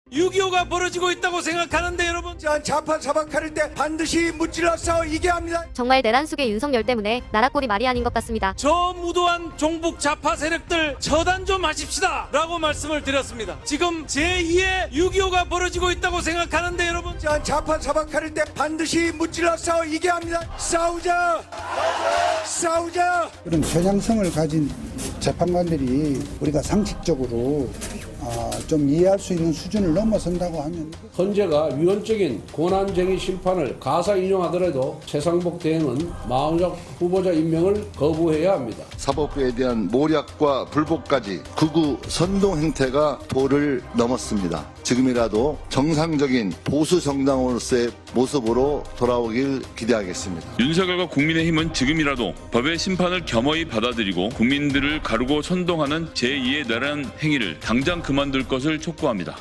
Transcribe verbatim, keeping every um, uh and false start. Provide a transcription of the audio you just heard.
육이오가 벌어지고 있다고 생각하는데 여러분, 좌파 사박할 때 반드시 무찔러서 이겨야 합니다. 정말 내란 속의 윤석열 때문에 나라 꼴이 말이 아닌 것 같습니다. 저 무도한 종북 좌파 세력들 처단 좀 하십시다 라고 말씀을 드렸습니다. 지금 제이의 육이오가 벌어지고 있다고 생각하는데 여러분, 좌파 사박할 때 반드시 무찔러서 이겨야 합니다. 싸우자! 싸우자! 그런 편향성을 가진 재판관들이 우리가 상식적으로 아, 좀 이해할 수 있는 수준을 넘어선다고 하면 헌재가 위헌적인 권한쟁의 심판을 가사 인용하더라도 최상복 대행은 마흔석 후보자 임명을 거부해야 합니다. 사법부에 대한 모략과 불복까지 극우 선동 행태가 도를 넘었습니다. 지금이라도 정상적인 보수 정당으로서의 모습으로 돌아오길 기대하겠습니다. 윤석열과 국민의힘은 지금이라도 법의 심판을 겸허히 받아들이고 국민들을 가르고 선동하는 제이의 내란 행위를 당장 그만둘 것을 촉구합니다.